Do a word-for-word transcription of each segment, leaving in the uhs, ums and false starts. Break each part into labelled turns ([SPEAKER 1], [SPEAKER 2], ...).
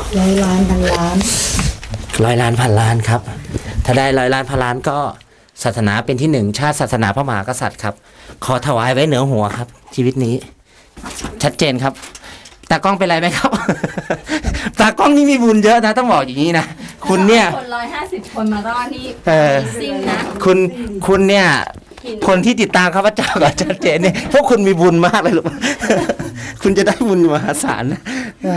[SPEAKER 1] ร้อยล้านพันล้าน
[SPEAKER 2] ร้อยล้านพันล้านครับถ้าได้ร้อยล้านพันล้านก็ศาสนาเป็นที่หนึ่งชาติศาสนาพระมหากษัตริย์ครับขอถวายไว้เหนือหัวครับชีวิตนี้ชัดเจนครับตากล้องเป็นไรไหมครับ ตากล้องนี่มีบุญเยอะนะต้องบอกอย่างนี้นะคุณเนี่ย
[SPEAKER 3] คนร้อยห้าสิบคนมารอดนี่ซิ่งนะ
[SPEAKER 2] คุณคุณเนี่ยคนที่ติดตามข้าพเจ้ากับชัดเจนเนี่ยพวกคุณมีบุญมากเลยลูก คุณจะได้บุญมหาศาลนะ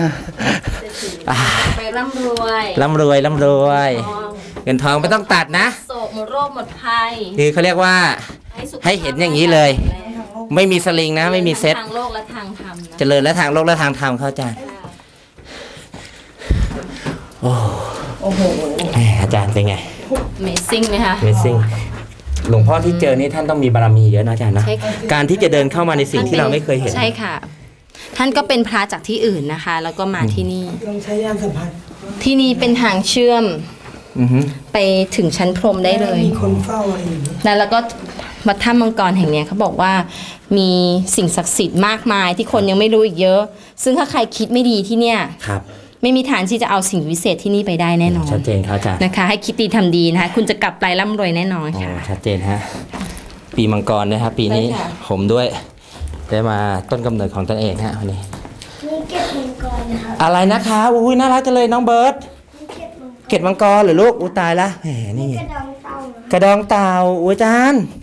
[SPEAKER 3] ไปร่ำรวย
[SPEAKER 2] ร่ำรวยร่ำรวยเงินทองไม่ต้องตัดนะ
[SPEAKER 3] โศกหมดโรคหมดภัย
[SPEAKER 2] คือเขาเรียกว่าให้เห็นอย่างนี้เลยไม่มีสลิงนะไม่มีเซ็ต
[SPEAKER 3] ทางโลกและทางธรรม
[SPEAKER 2] เจริญและทางโลกและทางธรรมเข้าใจโอ้โอ้โหอาจารย์เป็นไง
[SPEAKER 3] Amazing ไหมคะ
[SPEAKER 2] Amazing หลวงพ่อที่เจอนี่ท่านต้องมีบารมีเยอะนะอาจารย์นะการที่จะเดินเข้ามาในสิ่งที่เราไม่เคยเห็น
[SPEAKER 3] ใช่ค่ะท่านก็เป็นพระจากที่อื่นนะคะแล้วก็มาที่นี่
[SPEAKER 1] ลองใช้ยานสัมผัส
[SPEAKER 3] ที่นี่เป็นทางเชื่อมไปถึงชั้นพรหมได้เลย
[SPEAKER 1] มีคนเฝ้าอะไรอย่างนี้
[SPEAKER 3] แล้วก็วัดถ้ำมังกรแห่งนี้เขาบอกว่ามีสิ่งศักดิ์สิทธิ์มากมายที่คนยังไม่รู้อีกเยอะซึ่งถ้าใครคิดไม่ดีที่เนี่ยไม่มีทางที่จะเอาสิ่งวิเศษที่นี่ไปได้แน่นอน
[SPEAKER 2] ชัดเจนครับอาจารย์
[SPEAKER 3] นะคะให้คิดดีทำดีนะคะคุณจะกลับไปร่ำรวยแน่นอนค่ะ
[SPEAKER 2] ชัดเจนฮะปีมังกรนะครับปีนี้ผมด้วยได้มาต้นกำเนิดของตนเองฮะวันนี้
[SPEAKER 4] นี่เก็บมังกรนะครับ
[SPEAKER 2] อะไรนะคะอุ้ยน่ารักจังเลยน้องเบิร์ตเก็บมังกรหรือลูกอุ้ยตายละแหมนี่กระดองเต่ากระดองเต่าอุ้ยอาจารย์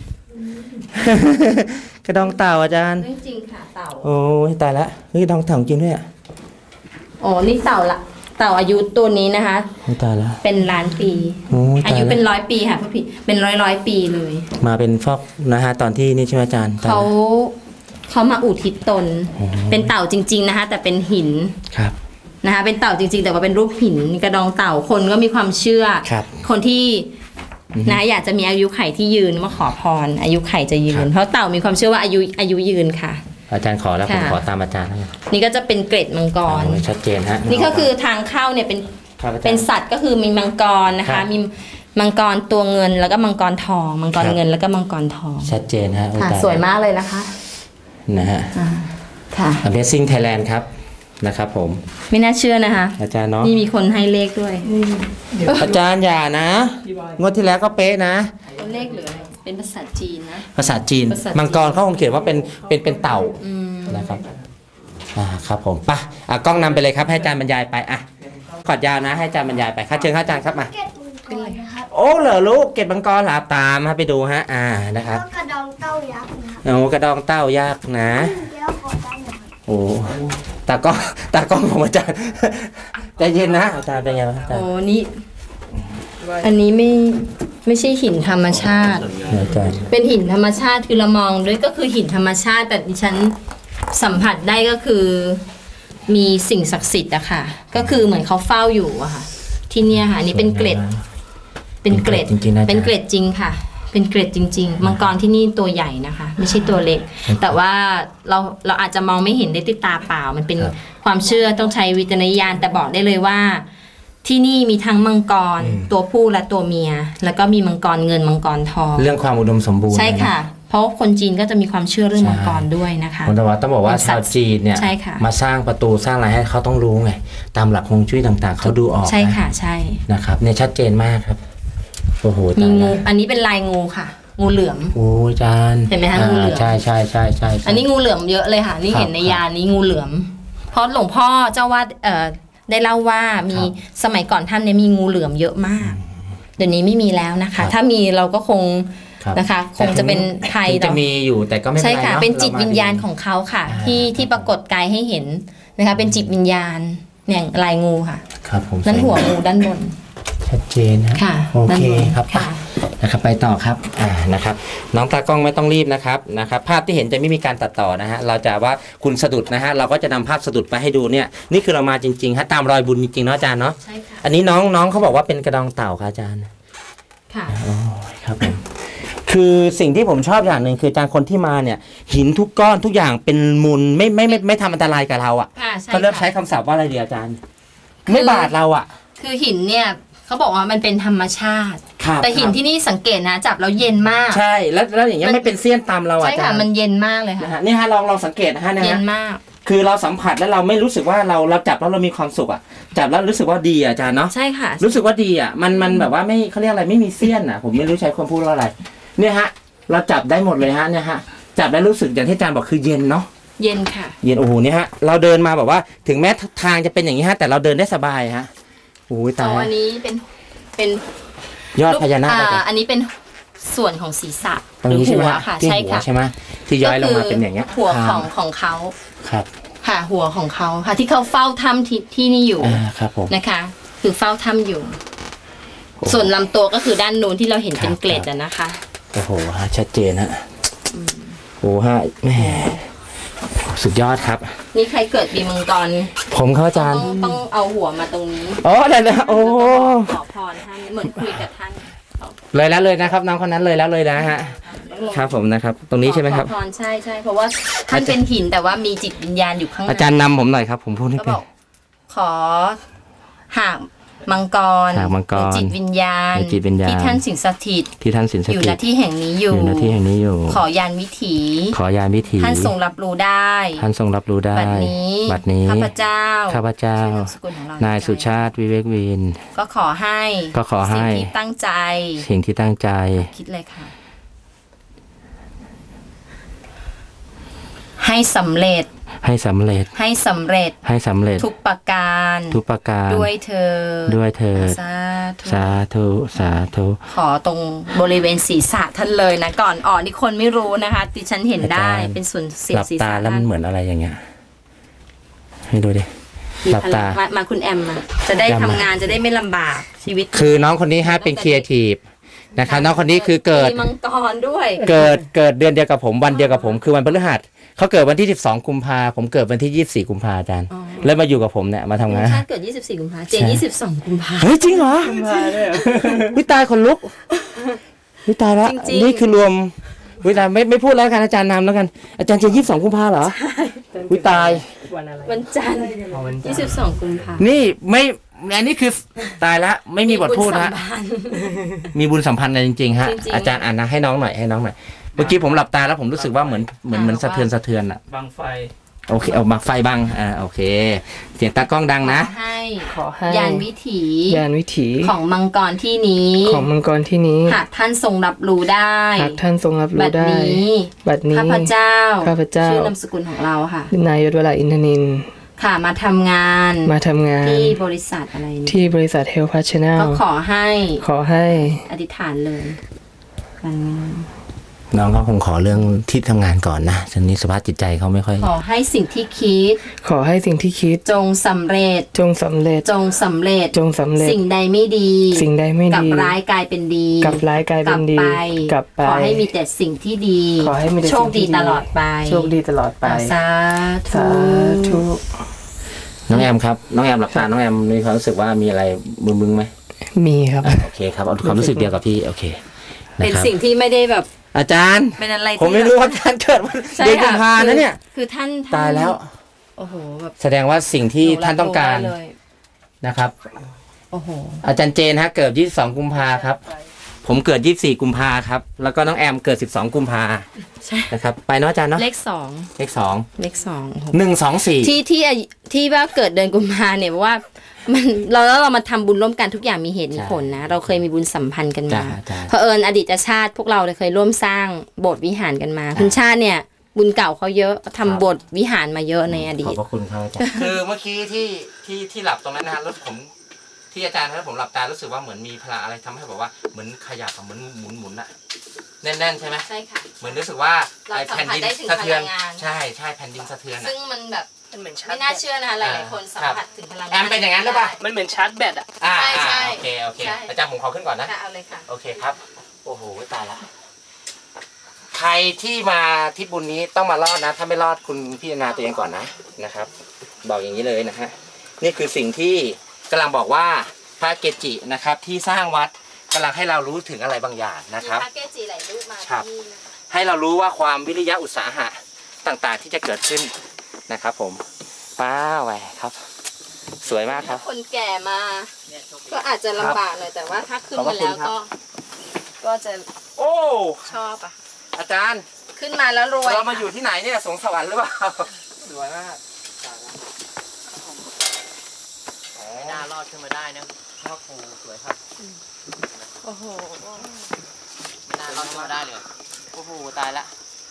[SPEAKER 2] กระดองเต่าอาจารย์
[SPEAKER 3] จริงค่ะเต่า
[SPEAKER 2] โอ้ยตายละเฮ้ยกระดองเต่าจริงด้วยอ่ะ
[SPEAKER 3] อ๋อนี่เต่าละเต่าอายุตัวนี้นะคะ
[SPEAKER 2] ตายละ
[SPEAKER 3] เป็นล้านปีอายุเป็นร้อยปีค่ะพี่พี่เป็นร้อยร้อยปีเลย
[SPEAKER 2] มาเป็นฟอกนะฮะตอนที่นี่ใช่ไหมอาจารย์
[SPEAKER 3] เขาเขามาอุทิศตนเป็นเต่าจริงๆนะคะแต่เป็นหิน
[SPEAKER 2] ครับ
[SPEAKER 3] นะคะเป็นเต่าจริงๆแต่ว่าเป็นรูปหินกระดองเต่าคนก็มีความเชื่อคนที่นะอยากจะมีอายุไขที่ยืนมาขอพรอายุไขจะยืนเพราะเต่ามีความเชื่อว่าอายุอายุยืนค่ะ
[SPEAKER 2] อาจารย์ขอแล้วผมขอตามอาจารย์
[SPEAKER 3] นี่ก็จะเป็นเกร็ดมังกร
[SPEAKER 2] ชัดเจนฮะ
[SPEAKER 3] นี่ก็คือทางเข้าเนี่ยเป็นเป็นสัตว์ก็คือมีมังกรนะคะมีมังกรตัวเงินแล้วก็มังกรทองมังกรเงินแล้วก็มังกรทอง
[SPEAKER 2] ชัดเจนฮะ
[SPEAKER 3] สวยมากเลยนะคะ
[SPEAKER 2] นะฮะ
[SPEAKER 3] ค่ะ
[SPEAKER 2] Amazing Thailand ครับนะครับผม
[SPEAKER 3] ไม่น่าเชื่อนะคะ
[SPEAKER 2] อาจารย์เนาะ
[SPEAKER 3] นี่มีคนให้เลขด้วย
[SPEAKER 2] อาจารย์อย่านะงวดที่แล้วก็เป๊ะนะ
[SPEAKER 3] เลขเหลือเป็นภาษาจีนนะ
[SPEAKER 2] ภาษาจีนมังกรเขาคงเขียนว่าเป็นเป็นเป็นเต่านะครับอ่าครับผมป่ะอ่ะกล้องนำไปเลยครับให้อาจารย์บรรยายไปอ่ะขอดยาวนะให้อาจารย์บรรยายไปครับเชิญอาจารย์ครับมาโอ้เหรอลูกเก็บมังกรหลาตามมาไปดูฮะอ่านะครับ
[SPEAKER 4] กระดองเต้ายักษ์นะ
[SPEAKER 2] โอ้กระดองเต้ายักษ์นะโอ้ตากล้องตากล้องของอาจารย์ใจเย็นนะอาจารย์เป็นไงอาจารย์
[SPEAKER 3] โอ้นี่อันนี้ไม่ไม่ใช่หินธรรมชาติเป็นหินธรรมชาติคือเรามองด้วยก็คือหินธรรมชาติแต่ดิฉันสัมผัสได้ก็คือมีสิ่งศักดิ์สิทธิ์อะค่ะก็คือเหมือนเขาเฝ้าอยู่อะค่ะที่เนี่ยค่ะอันนี้เป็นเกล็ดเป็นเกล็ดเป็นเกล็ดจริงค่ะเป็นเกล็ดจริงๆมังกรที่นี่ตัวใหญ่นะคะไม่ใช่ตัวเล็กแต่ว่าเราเราอาจจะมองไม่เห็นได้ด้วยตาเปล่ามันเป็นความเชื่อต้องใช้วิจารณญาณแต่บอกได้เลยว่าที่นี่มีทั้งมังกรตัวผู้และตัวเมียแล้วก็มีมังกรเงินมังกรทอง
[SPEAKER 2] เรื่องความอุดมสมบูรณ์
[SPEAKER 3] ใช่ค่ะเพราะคนจีนก็จะมีความเชื่อเรื่องมังกรด้วยนะคะ
[SPEAKER 2] คนตะวันต้องบอกว่าชาวจีนเนี่ยมาสร้างประตูสร้างอะไรให้เขาต้องรู้ไงตามหลักฮวงจุ้ยต่างๆเขาดูออก
[SPEAKER 3] ใช่ค่ะใช่
[SPEAKER 2] นะครับเนี่ยชัดเจนมากครับโอ้โห
[SPEAKER 3] มีงูอันนี้เป็นลายงูค่ะงูเหลือม
[SPEAKER 2] โอ้ยจาน
[SPEAKER 3] เห็นไหมคะงูเหลือม
[SPEAKER 2] ใช่ใช่ใช่ใช่
[SPEAKER 3] อันนี้งูเหลือมเยอะเลยค่ะนี่เห็นในยานี้งูเหลือมเพราะหลวงพ่อเจ้าวาดเอ่อได้เล่าว่ามีสมัยก่อนท่านเนี่ยมีงูเหลือมเยอะมากเดี๋ยวนี้ไม่มีแล้วนะคะถ้ามีเราก็คงนะคะคงจะเป็นภัย
[SPEAKER 2] จะมีอยู่แต่ก็ไม่เป็นไร
[SPEAKER 3] ใช่ค่ะเป็นจิตวิญญาณของเขาค่ะที่ที่ปรากฏกายให้เห็นนะคะเป็นจิตวิญญาณเนี่ยลายงูค่ะ
[SPEAKER 2] ครับผม
[SPEAKER 3] นั่นหัวงูด้านบน
[SPEAKER 2] ชัดเจนนะโอเคครับนะครับไปต่อครับอ่านะครับน้องตากล้องไม่ต้องรีบนะครับนะครับภาพที่เห็นจะไม่มีการตัดต่อนะฮะเราจะว่าคุณสะดุดนะฮะเราก็จะนำภาพสะดุดไปให้ดูเนี่ยนี่คือเรามาจริงๆฮะตามรอยบุญจริงๆเนาะอาจารย์เนาะ
[SPEAKER 3] ใช่ค่ะ
[SPEAKER 2] อันนี้น้องน้องเขาบอกว่าเป็นกระดองเต่าค่ะอาจารย์
[SPEAKER 3] ค่ะ
[SPEAKER 2] อ๋อครับผมคือสิ่งที่ผมชอบอย่างหนึ่งคืออาจารย์คนที่มาเนี่ยหินทุกก้อนทุกอย่างเป็นมูลไม่ไม่ไม่ไม่ทำอันตรายกับเราอ่ะเขาเริ่มใช้คำศัพท์ว่าอะไรดีอาจารย์ไม่บาดเราอ่ะ
[SPEAKER 3] คือหินเนี่ยเขาบอกว่ามันเป็นธรรมชาติแต่หินที่นี่สังเกตนะจับแล้วเย็นมาก
[SPEAKER 2] ใช่แล้วแล้วอย่างเงี้ยไม่เป็นเสี้ยนตามเราอ่ะ
[SPEAKER 3] ใช่ค่ะมันเย็นมากเลยค่ะ
[SPEAKER 2] นี่ฮะลองลองสังเกตนะฮะ
[SPEAKER 3] เย็นมาก
[SPEAKER 2] คือเราสัมผัสแล้วเราไม่รู้สึกว่าเราเราจับแล้วเรามีความสุขอ่ะจับแล้วรู้สึกว่าดีอ่ะอาจารย์เนาะ
[SPEAKER 3] ใช่ค่ะ
[SPEAKER 2] รู้สึกว่าดีอ่ะมันมันแบบว่าไม่เขาเรียกอะไรไม่มีเสี้ยนอ่ะผมไม่รู้ใช้คำพูดว่าอะไรเนี่ยฮะเราจับได้หมดเลยฮะเนี่ยฮะจับแล้วรู้สึกอย่างที่อาจารย์บอกคือเย็นเนาะ
[SPEAKER 3] เย็นค่ะ
[SPEAKER 2] เย็นโอ้โหเนี่ยฮะเราเดินมาแบบว่าถึงแม้ทางจะเป็นอย่างนี้ฮะแต่เราเดินได้สบายฮะโอ้ยตาย
[SPEAKER 3] อ๋ออันนี้เป็นเป็น
[SPEAKER 2] ยอดพญานาค
[SPEAKER 3] อ่
[SPEAKER 2] อาจารย์
[SPEAKER 3] อันนี้เป็นส่วนของศีรษะ
[SPEAKER 2] ตรงนี้ใช่ไหม
[SPEAKER 3] รือหัว
[SPEAKER 2] ฮะ
[SPEAKER 3] ค่ะ
[SPEAKER 2] ที่
[SPEAKER 3] ใช่
[SPEAKER 2] หัว
[SPEAKER 3] ค่ะ
[SPEAKER 2] ใช่ไหมที่ย้อยลงมาเป็นอย่างเงี้ย
[SPEAKER 3] หัวของของเขา
[SPEAKER 2] ครับ
[SPEAKER 3] ค่ะหัวของเขาค่ะที่เขาเฝ้าถ้ำที่ที่นี่อยู่
[SPEAKER 2] อ่าครับผม
[SPEAKER 3] นะคะ คือเฝ้าถ้ำอยู่ ส่วนลำตัวก็คือด้านนู้นที่เราเห็นเป็นเกล็ดอะนะคะ
[SPEAKER 2] โอ้โหฮะชัดเจนฮะโอ้โหฮะแม่สุดยอดครับ
[SPEAKER 3] นี่ใครเกิดปีมังกร
[SPEAKER 2] ผมครับอาจาร
[SPEAKER 3] ต้
[SPEAKER 2] ย์
[SPEAKER 3] องต้องเอาหัวมาตรงนี้
[SPEAKER 2] อ๋อได้เลยโอ้
[SPEAKER 3] ขอพรท่านเหมือนคุยกับท่าน
[SPEAKER 2] เลยแล้วเลยนะครับน้องคนนั้นเลยแล้วเลยนะฮะครับผมนะครับ ตรงนี้ใช่ไหมครับ
[SPEAKER 3] ขอพรใช่ใช่เพราะว่าท่านเป็นหินแต่ว่ามีจิตวิญญาณอยู่ข้างใน
[SPEAKER 2] อาจารย์นำผมหน่อยครับ ผมพูดไม่
[SPEAKER 3] ก็
[SPEAKER 2] เป็
[SPEAKER 3] บ
[SPEAKER 2] น
[SPEAKER 3] อกขอหากมังกร
[SPEAKER 2] หากมังกร
[SPEAKER 3] หรือจิตวิญญาณ
[SPEAKER 2] หรือจิตวิญญาณ
[SPEAKER 3] ที่ท่านสิงสถิต
[SPEAKER 2] ที่ท่านสินส
[SPEAKER 3] อยู่
[SPEAKER 2] ถิ
[SPEAKER 3] ณ
[SPEAKER 2] ต
[SPEAKER 3] ที่แห่งนี้อยู่
[SPEAKER 2] อยู่ณที่แห่งนี้อยู่
[SPEAKER 3] ขอยานวิถี
[SPEAKER 2] ขอยานวิถี
[SPEAKER 3] ท่านทรงรับรู้ได้
[SPEAKER 2] ท่านทรงรับรู้ได้
[SPEAKER 3] บัดนี้
[SPEAKER 2] บัดนี้
[SPEAKER 3] ข้าพเจ้า
[SPEAKER 2] ข้าพเจ้า
[SPEAKER 3] ชื่อนามสกุลของเร
[SPEAKER 2] นายสุชาติวิเวกวิน
[SPEAKER 3] ก็ขอให้
[SPEAKER 2] ก็ขอให้
[SPEAKER 3] สิ่งที่ตั้งใจ
[SPEAKER 2] สิ่งที่ตั้งใจ
[SPEAKER 3] คิดเลยค่ะ ให้สำเร็จ
[SPEAKER 2] ให้สำเร็จ
[SPEAKER 3] ให้สำเร็จ
[SPEAKER 2] ให้สำเร็จ
[SPEAKER 3] ทุกประการ
[SPEAKER 2] ทุกประการ
[SPEAKER 3] ด้วยเธอ
[SPEAKER 2] ด้วยเถิด
[SPEAKER 3] สาธุ
[SPEAKER 2] สาธุสาธุ
[SPEAKER 3] ขอตรงบริเวณศีรษะท่านเลยนะ ก่อนอ่อนนี่คนไม่รู้นะคะดิฉันเห็นได้
[SPEAKER 2] อาจารย์
[SPEAKER 3] เป็นส่วนเสีย
[SPEAKER 2] ห
[SPEAKER 3] บ
[SPEAKER 2] ลับ
[SPEAKER 3] ศีร
[SPEAKER 2] ตา
[SPEAKER 3] ษะ
[SPEAKER 2] แล้วมันเหมือนอะไรอย่างเงี้ยให้ดูดิ
[SPEAKER 3] มี
[SPEAKER 2] หลับ
[SPEAKER 3] พลั
[SPEAKER 2] ตา
[SPEAKER 3] งมามาคุณแอมมาจะได้
[SPEAKER 2] แอม
[SPEAKER 3] ทำ
[SPEAKER 2] มา
[SPEAKER 3] งานจะได้ไม่ลำบากชีวิต
[SPEAKER 2] คือน้องคนนี้ฮะเป็นครีเอทีฟนะครับน้องคนนี้คือเกิด
[SPEAKER 3] มีมังกรด้วย
[SPEAKER 2] เกิดเกิดเดือนเดียวกับผมวันเดียวกับผมคือวันพฤหัสเขาเกิดวันที่สิบสองกุมภาผมเกิดวันที่ยี่สิบสี่กุมภาอาจารย์
[SPEAKER 3] อ๋อ
[SPEAKER 2] แล้วมาอยู่กับผมเนี่ยมาทำงาน
[SPEAKER 3] ชาติเกิดยี่สิบสี่กุมภาเจนยี่สิบสองกุมภา
[SPEAKER 2] เฮ้ยจริงเหรอวิตายคนลุกวิตายละ
[SPEAKER 3] จริงๆ
[SPEAKER 2] นี่คือรวมวิตายไม่ไม่พูดแล้วกันอาจารย์นำแล้วกันอาจารย์จะยี่สิบสองกุมภาเหรอวิตาย
[SPEAKER 3] วันจันทร์ยี่สิบสองกุมภา
[SPEAKER 2] นี่ไม่อันนี้คือตายละไม่มีบทพูด
[SPEAKER 3] บุญ
[SPEAKER 2] ฮะ
[SPEAKER 3] สัมพันธ์
[SPEAKER 2] มีบุญสัมพันธ์อะไรจริงๆฮะ
[SPEAKER 3] จริงๆ
[SPEAKER 2] อาจารย์อ่านนะให้น้องหน่อยให้น้องหน่อยเมื่อกี้ผมหลับตาแล้วผมรู้สึกว่าเหมือนเหมือนเหมือนสะเทือนสะเทือนอะ
[SPEAKER 5] บังไฟ
[SPEAKER 2] โอเคเอามาไฟบังอ่าโอเค เสียงตากล้องดังนะ
[SPEAKER 3] ขอให้
[SPEAKER 5] ขอให้
[SPEAKER 3] ยานวิถี
[SPEAKER 5] ยานวิถี
[SPEAKER 3] ของมังกรที่นี้
[SPEAKER 5] ของมังกรที่นี้
[SPEAKER 3] หากท่านทรงรับรู้ได้
[SPEAKER 5] หากท่านทรงรับ
[SPEAKER 3] บั
[SPEAKER 5] รู้
[SPEAKER 3] ด
[SPEAKER 5] ได้
[SPEAKER 3] นี้
[SPEAKER 5] บัดนี้
[SPEAKER 3] ข้าพเจ้า
[SPEAKER 5] ข้าพเจ้า
[SPEAKER 3] ชื่อนามสกุลของเราค่ะ
[SPEAKER 5] นายยศวราอินทนินท์
[SPEAKER 3] ค่ะมาทำงาน
[SPEAKER 5] มาทำงาน
[SPEAKER 3] ที่บริษัทอะไรนี่
[SPEAKER 5] ที่บริษัทเฮลพัชแนล
[SPEAKER 3] ก็ขอให้
[SPEAKER 5] ขอให้
[SPEAKER 3] อธิษฐานเลยการงาน
[SPEAKER 2] น้องเขาคงขอเรื่องที่ทำงานก่อนนะตอนนี้สภาพจิตใจเขาไม่ค่อย
[SPEAKER 3] ขอให้สิ่งที่คิด
[SPEAKER 5] ขอให้สิ่งที่คิด
[SPEAKER 3] จงสำเร็จ
[SPEAKER 5] จงสำเร็จ
[SPEAKER 3] จงสำเร็จ
[SPEAKER 5] จงสำเร็จ
[SPEAKER 3] สิ่งใดไม่ดี
[SPEAKER 5] สิ่งใดไม่
[SPEAKER 3] กลับ
[SPEAKER 5] ดี
[SPEAKER 3] ร้ายกลายเป็นดี
[SPEAKER 5] กลับร้ายกลายเป็นดี
[SPEAKER 3] กลับไป
[SPEAKER 5] กลับไป
[SPEAKER 3] ขอให้มีแต่สิ่งที่ดี
[SPEAKER 5] ขอให้มีแต่
[SPEAKER 3] โชค
[SPEAKER 5] สิ่งที่
[SPEAKER 3] ดีตลอดไป
[SPEAKER 5] โชคดีตลอดไป
[SPEAKER 3] สาธุ
[SPEAKER 5] สาธุ
[SPEAKER 2] น้องแอมครับน้องแอมหลับตาน้องแอมมีความรู้สึกว่ามีอะไรมึนๆไหม
[SPEAKER 5] มีครับ
[SPEAKER 2] โอเคครับเอาความรู้สึกเดียวกับพี่โอเคนะ
[SPEAKER 3] เป็น
[SPEAKER 2] ครับ
[SPEAKER 3] สิ่งที่ไม่ได้แบบ
[SPEAKER 2] อาจารย์
[SPEAKER 3] เป็นอะไรที่
[SPEAKER 2] ผมไม่รู้ว่าอาจารย์เกิดวัน
[SPEAKER 3] ใช่
[SPEAKER 2] เดือนกุ
[SPEAKER 3] ค่ะ
[SPEAKER 2] มภานะเนี่ย
[SPEAKER 3] คือคือท่านท่น
[SPEAKER 2] ตายแล้ว
[SPEAKER 3] โอ้โหแบบ
[SPEAKER 2] แสดงว่าสิ่งที่ท่านต้องการ
[SPEAKER 3] หนูบได้เลย
[SPEAKER 2] นะครับ
[SPEAKER 3] โอ้โห
[SPEAKER 2] อาจารย์เจนฮะเกิดยี่สิบสองกุมภาครับ ผมเกิดยี่สิบสี่กุมภาครับ แล้วก็น้องแอมเกิดสิบสองกุมภา
[SPEAKER 3] ใช่
[SPEAKER 2] นะครับ ไปเนาะอาจารย์เนาะ
[SPEAKER 3] เลขสอง
[SPEAKER 2] เลขสอง
[SPEAKER 3] เลขสองโอ้โห
[SPEAKER 2] หนึ่งสองสี่
[SPEAKER 3] ที่ที่ที่ว่าเกิดเดือนกุมภาเนี่ยเพราะว่ามันเราแล้วเรามาทำบุญร่วมกันทุกอย่างมีเหตุมีผลนะ เราเคยมีบุญสัมพันธ์กัน
[SPEAKER 2] จ้า
[SPEAKER 3] มา
[SPEAKER 2] จ้า
[SPEAKER 3] เผอิญอดีตชาติพวกเราเคยร่วมสร้างโบสถ์วิหารกันมา คุณชาติเนี่ย บุญเก่าเขาเยอะทำโบสถ์วิหารมาเยอะในอดี
[SPEAKER 2] ขอบ
[SPEAKER 3] ต
[SPEAKER 2] พระคุณครับอาจารย์คือเมื่อกี้ที่ที่ที่หลับตรงนั้นนะฮะแล้วผมที่อาจารย์ให้ผมหลับตารู้สึกว่าเหมือนมีพลังอะไรทำให้แบบว่าเหมือนขยับอะเหมือนหมุนหมุนๆอะแน่นๆใช่ไหม
[SPEAKER 3] ใช่ค่ะ
[SPEAKER 2] เหมือนรู้สึกว่า
[SPEAKER 3] เรา
[SPEAKER 2] ไอ้
[SPEAKER 3] สัม
[SPEAKER 2] แผ่น
[SPEAKER 3] ผัส
[SPEAKER 2] ดิน
[SPEAKER 3] ได้ถึง
[SPEAKER 2] สะเทือน
[SPEAKER 3] พลังงาน
[SPEAKER 2] ใช่ใช่แผ่นดินสะเทือนอะ
[SPEAKER 3] ซึ่งมันแบบ
[SPEAKER 5] มันเหมือนชา
[SPEAKER 3] ไม่
[SPEAKER 5] ร์จ
[SPEAKER 3] น่า
[SPEAKER 5] แบต
[SPEAKER 3] เชื่อนะคะหลายๆคนสัมผัสถึงพลังงาน
[SPEAKER 2] แอมเป็นอย่างนั้นหรือเปล่า
[SPEAKER 5] มันเหมือนชาร์จแบตอ่ะ
[SPEAKER 2] อ่า
[SPEAKER 3] ใช่
[SPEAKER 2] อ่า
[SPEAKER 3] ใช่
[SPEAKER 2] โอเคโอเค
[SPEAKER 3] ใช่
[SPEAKER 2] อาจารย์ผมขอขึ้นก่อนนะ
[SPEAKER 3] ค่ะเอาเลยค่ะ
[SPEAKER 2] โอเคครับ โอ้โหตายละใครที่มาทริปบุญนี้ต้องมารอดนะ ถ้าไม่รอดคุณพิจารณาตัวเองก่อนนะนะครับ บอกอย่างนี้เลยนะฮะนี่คือสิ่งที่กำลังบอกว่าพระเกจินะครับ ที่สร้างวัดกำลังให้เรารู้ถึงอะไรบางอย่างนะครับ
[SPEAKER 3] มีพระเกจิหลายรูปมา
[SPEAKER 2] ครับ
[SPEAKER 3] ที่นี่นะคะ
[SPEAKER 2] ให้เรารู้ว่าความวิริยะอุตสาหะต่างๆ ที่จะเกิดขึ้นนะครับ ผมป้าแหวครับ สวยมากครับ
[SPEAKER 3] คนแก่มา ก็อาจจะลำบากหน่อยแต่ว่าถ้าขึ้น
[SPEAKER 2] ขอบพ
[SPEAKER 3] มา
[SPEAKER 2] ระคุ
[SPEAKER 3] แล้
[SPEAKER 2] ณ
[SPEAKER 3] ว
[SPEAKER 2] ครับ
[SPEAKER 3] ก็ ก็จะ
[SPEAKER 2] โอ้
[SPEAKER 3] ชอบอ่ะ
[SPEAKER 2] อาจารย์
[SPEAKER 3] ขึ้นมาแล้วรวย
[SPEAKER 2] เรามาอยู่ที่ไหนเนี่ยสวงสวรรค์หรือเปล่า
[SPEAKER 5] สวยมาก
[SPEAKER 2] นไม่น่ารอดขึ้นมาได้นะพ่อครูสวยครับ
[SPEAKER 3] โอ้โห
[SPEAKER 2] ไม่น่ารอดขึ้นมาได้เลยโอ้โหตายละ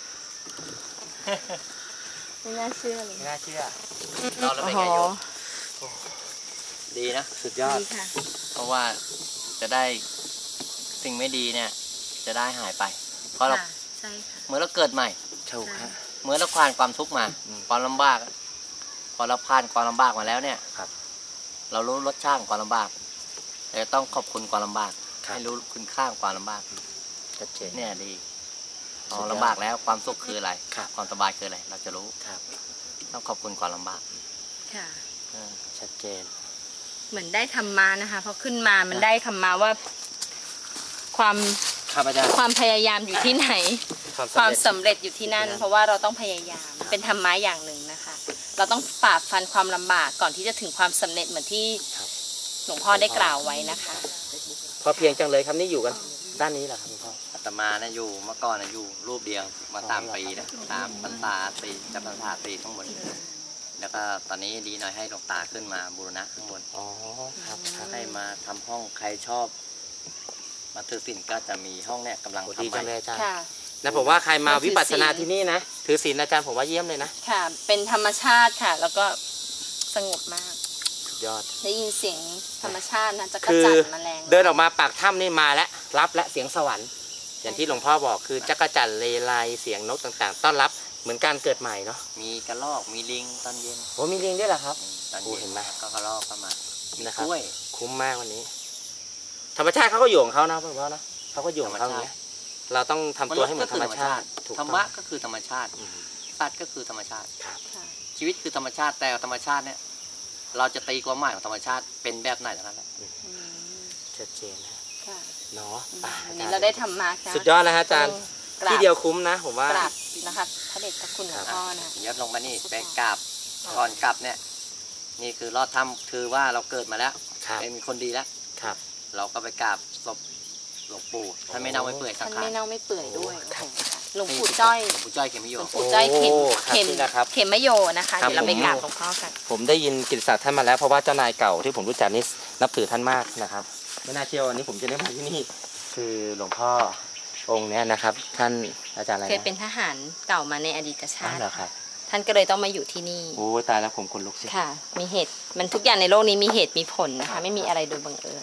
[SPEAKER 3] ไม่น่าเชื่อเลย
[SPEAKER 2] ไม่น่าเชื่อรอดแล้วเป็นไงโยมดีนะสุดยอด
[SPEAKER 3] ดีค่ะ
[SPEAKER 2] เพราะว่าจะได้สิ่งไม่ดีเนี่ย จะได้หายไป เพราะเรา
[SPEAKER 3] ใช่ค่ะ
[SPEAKER 2] เหมือนเราเกิดใหม่ถูกฮะเหมือนเราผ่านความทุกข์มาความลำบากพอเราผ่านความลำบากมาแล้วเนี่ยครับ เรารู้รสชาติของความลำบากเราจะต้องขอบคุณความลำบากให้รู้คุณค่าของความลำบากชัดเจนเนี่ยดีพอลำบากแล้วความสุขคืออะไรความสบายคืออะไรเราจะรู้ครับต้องขอบคุณความลำบาก
[SPEAKER 3] ค่ะ
[SPEAKER 2] ชัดเจน
[SPEAKER 3] เหมือนได้ธรรมะนะคะเพราะขึ้นมามันได้ธรรมะว่าความ
[SPEAKER 2] ครับอาจารย์
[SPEAKER 3] ความพยายามอยู่ที่ไหน ความสำเร็จอยู่ที่นั่น เพราะว่าเราต้องพยายามเป็นธรรมะอย่างหนึ่งนะคะ เราต้องฝ่าฟันความลำบากก่อนที่จะถึงความสำเร็จเหมือนที่หลวงพ่อได้กล่าวไว้นะคะ
[SPEAKER 2] พอเพียงจังเลยครับนี่อยู่กันด้านนี้แหละครับหลวงพ่ออาตมานะอยู่เมื่อก่อนนะอยู่รูปเดียวมาสามปีนะสามพรรษาสี่จะพรรษาสี่ข้างบนแล้วก็ตอนนี้ดีหน่อยให้หลวงตาขึ้นมาบูรณะข้างบนอ๋อครับให้มาทำห้องใครชอบมาถือศีลก็จะมีห้องเนี่ยกำลังทำใหม่
[SPEAKER 3] ค่ะ
[SPEAKER 2] นะผมว่าใครมาวิปัสสนาที่นี่นะถือศีลอาจารย์ผมว่าเยี่ยมเลยนะ
[SPEAKER 3] ค่ะเป็นธรรมชาติค่ะ แล้วก็สงบมาก
[SPEAKER 2] สุดยอด
[SPEAKER 3] ได้ยินเสียงธรรมชาตินะจะกระจัดแมลง
[SPEAKER 2] เดินออกมาปากถ้ำนี่มาแล้วรับและเสียงสวรรค์อย่างที่หลวงพ่อบอกคือจักรจั่นเลไลเสียงนกต่างๆต้อนรับเหมือนการเกิดใหม่เนาะมีกระรอกมีลิงตอนเย็นโอ้มีลิงด้วยเหรอครับตอนเย็นเห็นไหมก็กระรอกเข้ามานะครับคุ้มมากวันนี้ธรรมชาติเขาก็อยู่ของเขานะหลวงพ่อนะเขาก็อยู่ของเขาอย่างเงี้ยเราต้องทำตัวให้เหมือนธรรมชาติธรรมะก็คือธรรมชาติสัตว์ก็คือธรรมชาติชีวิตคือธรรมชาติแต่ธรรมชาติเนี่ยเราจะตีความหมายของธรรมชาติเป็นแบบไหนเท่านั้นแหละชัดเจนนะเนาะ
[SPEAKER 3] วันนี้เราได้ทำมา
[SPEAKER 2] สุดยอดนะฮะอาจารย์ที่เดียวคุ้มนะผมว่าก
[SPEAKER 3] ราบนะคะพระเดชพระคุณหลวงพ่อนะ
[SPEAKER 2] ยัดลงมานี่ไปกราบก่อนกลับเนี่ยนี่คือรอดถ้ำคือว่าเราเกิดมาแล้วเป็นคนดีแล้วเราก็ไปกราบศพหลวงปู่ท่านไม่เน่าไม่เปื่อยสังขาร
[SPEAKER 3] ท่านไม่เน่าไม่เปื่อยด้วยหลวงปู่จ้อย
[SPEAKER 2] หลวงปู่จ้อยเขมโย
[SPEAKER 3] หลวงปู่จ้อยเขมเขมเขมโยนะคะเดี๋ยวเราไปกราบหลวงพ่อกัน
[SPEAKER 2] ผมได้ยินกิตติศักดิ์ท่านมาแล้วเพราะว่าเจ้านายเก่าที่ผมรู้จักนี่นับถือท่านมากนะครับไม่น่าเชื่อวันนี้ผมจะได้มาที่นี่คือหลวงพ่อองค์นี้นะครับท่านอาจารย์อะไร
[SPEAKER 3] เคยเป็นทหารเก่ามาในอดีตชาติ
[SPEAKER 2] เหรอครับ
[SPEAKER 3] ท่านก็เลยต้องมาอยู่ที่นี่
[SPEAKER 2] โอ้ตายแล้วผมคนลุกสิ
[SPEAKER 3] ค่ะมีเหตุมันทุกอย่างในโลกนี้มีเหตุมีผลนะคะไม่มีอะไรโดยบังเอิญ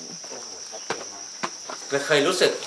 [SPEAKER 2] เคยรู้สึก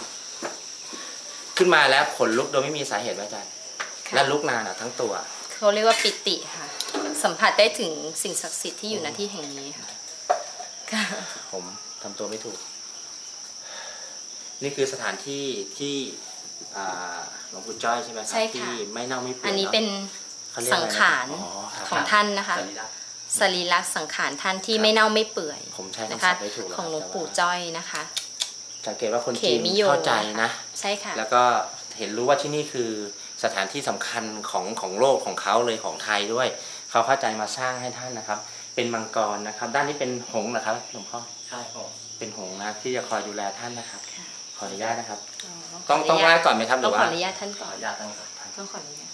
[SPEAKER 2] ขึ้นมาแล้วขนลุกโดยไม่มีสาเหตุอาจารย์และลุกนานอ่ะทั้งตัว
[SPEAKER 3] เขาเรียกว่าปิติค่ะสัมผัสได้ถึงสิ่งศักดิ์สิทธิ์ที่อยู่ณที่แห่งนี้ค่ะ
[SPEAKER 2] ผมทำตัวไม่ถูกนี่คือสถานที่ที่หลวงปู่จ้อยใช่ไหมครับที่ไม่เน่าไม่เปื่อย
[SPEAKER 3] อันนี้เป็นสังขารของท่านนะคะสรีระสังขารท่านที่ไม่เน่าไม่เปื่อยนะคะของหลวงปู่จ้อยนะคะ
[SPEAKER 2] สังเกตว่าคนจีนเข้าใจนะ
[SPEAKER 3] ใช่ค่ะ
[SPEAKER 2] แล้วก็เห็นรู้ว่าที่นี่คือสถานที่สำคัญของของโลกของเขาเลยของไทยด้วยเขาเข้าใจมาสร้างให้ท่านนะครับเป็นมังกรนะครับด้านนี้เป็นหงส์นะครับหลวงพ่อใช่ครับเป็นหงส์นะที่จะคอยดูแลท่านนะครับขออนุญาตนะครับต้องต้องไหว้ก่อนไหมครับหรือว่า
[SPEAKER 3] ต้องขออนุญาตท่านก่อน
[SPEAKER 2] ขออนุญาตต้อง
[SPEAKER 3] ต้องขออนุญาต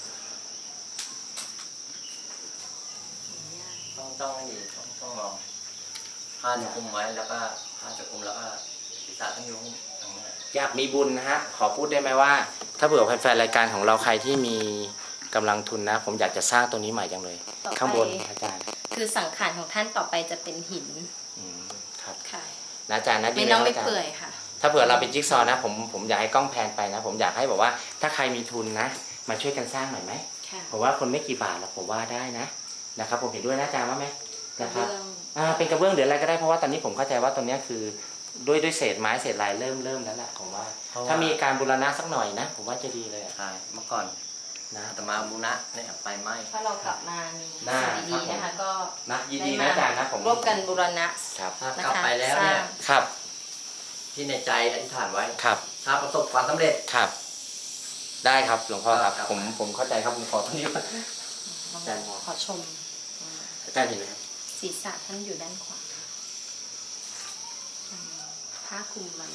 [SPEAKER 2] ต้องต้องให้ดีต้องต้องลองผ้าจะคุมไว้แล้วก็ผ้าจะคุมแล้วก็ศีรษะต้องยุ่งอยากมีบุญนะฮะขอพูดได้ไหมว่าถ้าเผื่อแฟนๆรายการของเราใครที่มีกำลังทุนนะผมอยากจะสร้างตรงนี้ใหม่จังเลยข้างบนอาจารย์
[SPEAKER 3] คือสังขารของท่านต่อไปจะเป็นหิน
[SPEAKER 2] ครับ
[SPEAKER 3] ค่ะ
[SPEAKER 2] อาจารย์นะ
[SPEAKER 3] ดีไม่ต้องไม่เปื่อยค่ะ
[SPEAKER 2] ถ้าเผื่อเราเป็นจิ๊กซอนะผมผมอยากให้กล้องแพนไปนะผมอยากให้บอกว่าถ้าใครมีทุนนะมาช่วยกันสร้างหน่อยไหมผมว่าคนไม่กี่บาทแล้วผมว่าได้นะนะครับผมเห็นด้วยนะอาจารย์ว่าไหมนะครับอ่าเป็นกระเบื้องหรืออะไรก็ได้เพราะว่าตอนนี้ผมเข้าใจว่าตรงนี้คือด้วยด้วยเศษไม้เศษลายเริ่มเริ่มแล้วแหละผมว่าถ้ามีการบูรณะสักหน่อยนะผมว่าจะดีเลยใช่เมื่อก่อนนะแต่มาบูรณะเนี่ยไฟไหม้
[SPEAKER 3] ถ้าเรากลับมามีดีๆนะคะก็
[SPEAKER 2] นะยินดีนะอาจารย์นะผม
[SPEAKER 3] ร่วมกันบูรณะ
[SPEAKER 2] ครับกลับไปแล้วเนี่ยครับที่ในใจอธิษฐานไว้ครับถ้าประสบความสำเร็จครับได้ครับหลวงพ่อครับผมผมเข้าใจครับผมขอตรงนี้
[SPEAKER 3] อาจารย์ขอชม
[SPEAKER 2] อาจารย์เห็นไหมครับ
[SPEAKER 3] ศีรษะท่านอยู่ด้านขวาผ้าคลุมมัน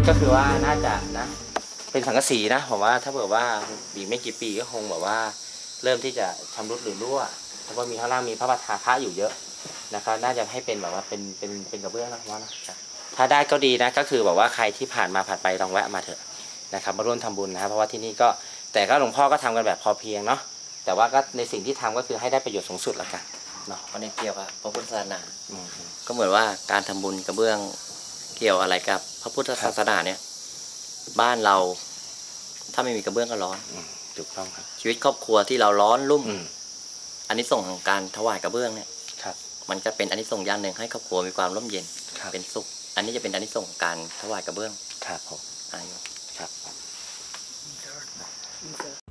[SPEAKER 2] ก็คือว่าน่าจะนะ เป็นสังกะสีนะผมว่าถ้าเผื่อว่าอีกไม่กี่ปีก็คงแบบว่า เริ่มที่จะชำรุดหรือรั่วเพราะว่ามีข้างล่างมีพระประธานพระอยู่เยอะนะครับน่าจะให้เป็นแบบว่าเป็นเป็นเป็นกระเบื้องนะผมว่านะถ้าได้ก็ดีนะก็คือแบบว่าใครที่ผ่านมาผ่านไปลองแวะมาเถอะนะครับมาร่วมทำบุญนะครับเพราะว่าที่นี่ก็แต่ก็หลวงพ่อก็ทำกันแบบพอเพียงเนาะแต่ว่าก็ในสิ่งที่ทำก็คือให้ได้ประโยชน์สูงสุดละกันเนาะ
[SPEAKER 6] เพราะในเกี่ยวกับพระพุทธศาสนา
[SPEAKER 2] อืม
[SPEAKER 6] ก็เหมือนว่าการทำบุญกระเบื้องเกี่ยวอะไรกับพระพุทธศาสนาเนี่ย บ้านเราถ้าไม่มีกระเบื้องก็ร้อน
[SPEAKER 2] อืมถูกต้องครับ
[SPEAKER 6] ชีวิตครอบครัวที่เราร้อนรุ่ม
[SPEAKER 2] อืม
[SPEAKER 6] อันนี้ส่งส์ของการถวายกระเบื้องเนี่ย
[SPEAKER 2] ครับ
[SPEAKER 6] มันจะเป็นอันนี้ส่งส์อย่างหนึ่งให้ครอบครัวมีความร่มเย็น
[SPEAKER 2] ครับ
[SPEAKER 6] เป็นสุข อันนี้จะเป็นอันนี้ส่งส์ของการถวายกระเบื้อง
[SPEAKER 2] ครับผม
[SPEAKER 6] อายุ
[SPEAKER 2] ครับ